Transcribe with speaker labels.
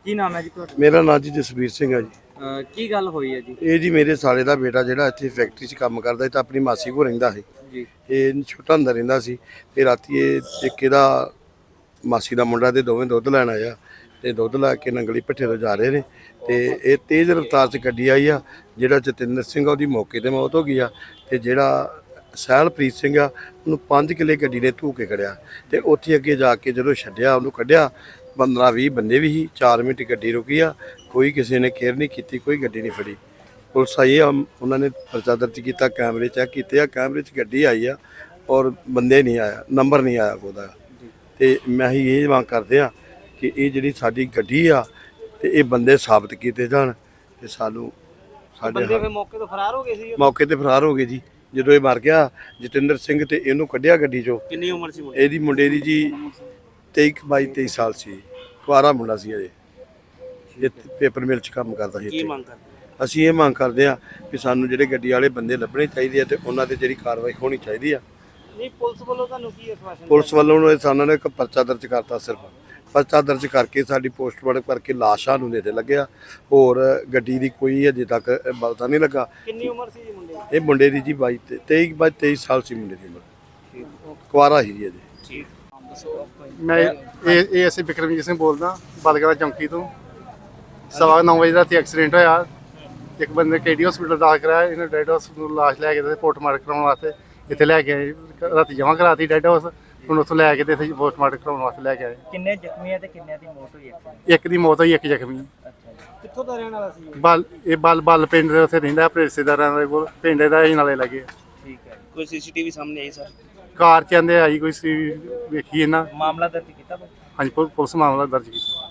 Speaker 1: ਕੀ ਨਾਮ ਹੈ ਜੀ ਤੁਹਾਡਾ?
Speaker 2: ਮੇਰਾ ਨਾਂ ਜੀ ਜਸਵੀਰ ਸਿੰਘ ਹੈ ਜੀ।
Speaker 1: ਕੀ ਗੱਲ ਹੋਈ ਹੈ ਜੀ?
Speaker 2: ਇਹ ਜੀ ਮੇਰੇ ਸਾਲੇ ਦਾ ਬੇਟਾ ਜਿਹੜਾ ਇੱਥੇ ਫੈਕਟਰੀ 'ਚ ਕੰਮ ਕਰਦਾ ਸੀ ਤਾਂ ਆਪਣੀ ਮਾਸੀ ਕੋਲ ਰਹਿੰਦਾ ਸੀ
Speaker 1: ਜੀ।
Speaker 2: ਇਹ ਛੋਟਾ ਹੁੰਦਾ ਰਹਿੰਦਾ ਸੀ ਤੇ ਰਾਤੀ ਇਹ ਇੱਕ ਇਹਦਾ ਮਾਸੀ ਦਾ ਮੁੰਡਾ ਤੇ ਦੋਵੇਂ ਦੁੱਧ ਲੈਣ ਆਇਆ ਤੇ ਦੁੱਧ ਲੈ ਕੇ ਨੰਗਲੀ ਭੱਠੇ ਤੋਂ ਜਾ ਰਹੇ ਨੇ ਤੇ ਇਹ ਤੇਜ਼ ਰਫ਼ਤਾਰ 'ਚ ਗੱਡੀ ਆਈ ਆ। ਜਿਹੜਾ ਜਤਿੰਦਰ ਸਿੰਘ ਉਹਦੀ ਮੌਕੇ ਤੇ ਮੌਤ ਹੋ ਗਈ ਆ ਤੇ ਜਿਹੜਾ ਸਹਿਲਪ੍ਰੀਤ ਸਿੰਘ ਆ ਉਹਨੂੰ 5 ਕਿੱਲੇ ਗੱਡੀ ਨੇ ਧੂ ਕੇ ਖੜਿਆ ਤੇ ਉੱਥੇ ਅੱਗੇ ਜਾ ਕੇ ਜਦੋਂ ਛੱਡਿਆ ਉਹਨੂੰ ਕੱਢਿਆ 15-20 ਬੰਦੇ ਵੀ ਸੀ। 4 ਮਿੰਟ ਗੱਡੀ ਰੁਕੀ ਆ, ਕੋਈ ਕਿਸੇ ਨੇ ਕੇਅਰ ਨਹੀਂ ਕੀਤੀ, ਕੋਈ ਗੱਡੀ ਨਹੀਂ ਫੜੀ। ਪੁਲਿਸ ਆਈ ਆ, ਉਹਨਾਂ ਨੇ ਪਰਚਾ ਦਰਜ ਕੀਤਾ, ਕੈਮਰੇ ਚੈੱਕ ਕੀਤੇ ਆ, ਕੈਮਰੇ 'ਚ ਗੱਡੀ ਆਈ ਆ ਔਰ ਬੰਦੇ ਨਹੀਂ ਆਇਆ, ਨੰਬਰ ਨਹੀਂ ਆਇਆ ਉਹਦਾ। ਤੇ ਮੈਂ ਹੀ ਇਹ ਮੰਗ ਕਰਦੇ ਆ ਕਿ ਇਹ ਜਿਹੜੀ ਸਾਡੀ ਗੱਡੀ ਆ ਤੇ ਇਹ ਬੰਦੇ ਸਾਬਤ ਕੀਤੇ ਜਾਣ ਤੇ ਸਾਨੂੰ ਸਾਡੇ
Speaker 1: ਬੰਦੇ ਫਿਰ ਮੌਕੇ ਤੋਂ ਫਰਾਰ ਹੋ ਗਏ ਸੀ?
Speaker 2: ਮੌਕੇ ਤੇ ਫਰਾਰ ਹੋ ਗਏ ਜੀ। ਜਦੋਂ ਇਹ ਮਰ ਗਿਆ ਜਤਿੰਦਰ ਸਿੰਘ ਤੇ ਇਹਨੂੰ ਕੱਢਿਆ ਗੱਡੀ 'ਚੋਂ।
Speaker 1: ਕਿੰਨੀ ਉਮਰ ਸੀ
Speaker 2: ਇਹਦੀ ਮੁੰਡੇ ਦੀ ਜੀ 22-23 ਸਾਲ ਸੀ, ਕੁਆਰਾ ਮੁੰਡਾ ਸੀ ਅਜੇ। ਇਹ ਪੇਪਰ ਮਿਲ 'ਚ ਕੰਮ ਕਰਦਾ ਸੀ।
Speaker 1: ਕੀ ਮੰਗ ਕਰਦੇ?
Speaker 2: ਅਸੀਂ ਇਹ ਮੰਗ ਕਰਦੇ ਆ ਕਿ ਸਾਨੂੰ ਜਿਹੜੇ ਗੱਡੀ ਵਾਲੇ ਬੰਦੇ ਲੱਭਣੇ ਚਾਹੀਦੇ ਆ ਤੇ ਉਹਨਾਂ ਤੇ ਜਿਹੜੀ ਕਾਰਵਾਈ ਹੋਣੀ ਚਾਹੀਦੀ ਆ।
Speaker 1: ਨਹੀਂ, ਪੁਲਿਸ ਵੱਲੋਂ ਤੁਹਾਨੂੰ ਕੀ ਆਸ਼ਵਾਸਨ?
Speaker 2: ਪੁਲਿਸ ਵੱਲੋਂ ਸਾਨੂੰ ਨੇ ਇੱਕ ਪਰਚਾ ਦਰਜ ਕਰਤਾ, ਸਿਰਫ ਪਰਚਾ ਦਰਜ ਕਰਕੇ ਸਾਡੀ ਪੋਸਟਮਾਰਟਮ ਕਰਕੇ ਲਾਸ਼ਾਂ ਨੂੰ ਦੇ ਲੱਗਿਆ। ਹੋਰ ਗੱਡੀ ਦੀ ਕੋਈ ਅਜੇ ਤੱਕ ਪਤਾ ਨਹੀਂ ਲੱਗਾ।
Speaker 1: ਕਿੰਨੀ ਉਮਰ ਸੀ ਜੀ ਮੁੰਡੇ ਦੀ?
Speaker 2: ਇਹ ਮੁੰਡੇ ਦੀ ਜੀ 23 ਸਾਲ ਸੀ ਮੁੰਡੇ ਦੀ ਉਮਰ, ਕੁਆਰਾ ਸੀ ਜੀ ਅਜੇ।
Speaker 1: ਠੀਕ।
Speaker 3: ਮੈਂ ਇਹ ਅਸੀਂ ਬਿਕਰਮਜੀਤ ਸਿੰਘ ਬੋਲਦਾ ਬਲਗੜਾ ਚੌਂਕੀ ਤੋਂ। 9:15 ਵਜੇ ਰਾਤੀ ਐਕਸੀਡੈਂਟ ਹੋਇਆ। ਇੱਕ ਬੰਦੇ KD ਹਸਪੀਟਲ ਦਾਖਲ ਕਰਾਇਆ, ਇਹਨੇ ਡੈਡ ਹਾਊਸ ਨੂੰ ਲਾਸ਼ ਲੈ ਕੇ ਤੇ ਪੋਸਟਮਾਰਟਮ ਕਰਾਉਣ ਵਾਸਤੇ ਇੱਥੇ ਲੈ ਕੇ ਆਏ। ਰਾਤੀ ਜਮ੍ਹਾਂ ਕਰਾਤੀ ਡੈਡ ਹਾਊਸ, ਹੁਣ ਉੱਥੋਂ ਲੈ ਕੇ ਤੇ ਇੱਥੇ ਪੋਸਟਮਾਰਟਮ ਕਰਾਉਣ ਵਾਸਤੇ ਲੈ ਕੇ ਆਏ।
Speaker 1: ਕਿੰਨੇ ਜ਼ਖਮੀ ਆ ਤੇ ਕਿੰਨਿਆਂ ਦੀ ਮੌਤ ਹੋਈ?
Speaker 3: ਇੱਕ ਦੀ ਮੌਤ ਹੋਈ, ਇੱਕ ਜ਼ਖਮੀ।
Speaker 1: ਅੱਛਾ ਜੀ। ਕਿੱਥੋਂ ਦਾ ਰਹਿਣ ਵਾਲਾ ਸੀ?
Speaker 3: ਬਲ ਪਿੰਡ ਦੇ ਉੱਥੇ ਰਹਿੰਦਾ, ਆਪਣੇ ਰਿਸ਼ਤੇਦਾਰਾਂ ਦੇ ਕੋਲ। ਪਿੰਡ ਦਾ ਹੀ ਨਾਲੇ ਲੱਗੇ।
Speaker 1: ਠੀਕ ਹੈ। ਕੋਈ CCTV ਸਾਹਮਣੇ ਆਈ ਸਰ?
Speaker 3: ਕਾਰ ਚ ਆਂਦੇ ਆਈ ਕੋਈ ਸੀ, ਵੇਖੀ ਇਹਨਾਂ।
Speaker 1: ਮਾਮਲਾ ਦਰਜ ਕੀਤਾ?
Speaker 3: ਹਾਂਜੀ, ਪੁਲਿਸ ਮਾਮਲਾ ਦਰਜ ਕੀਤਾ।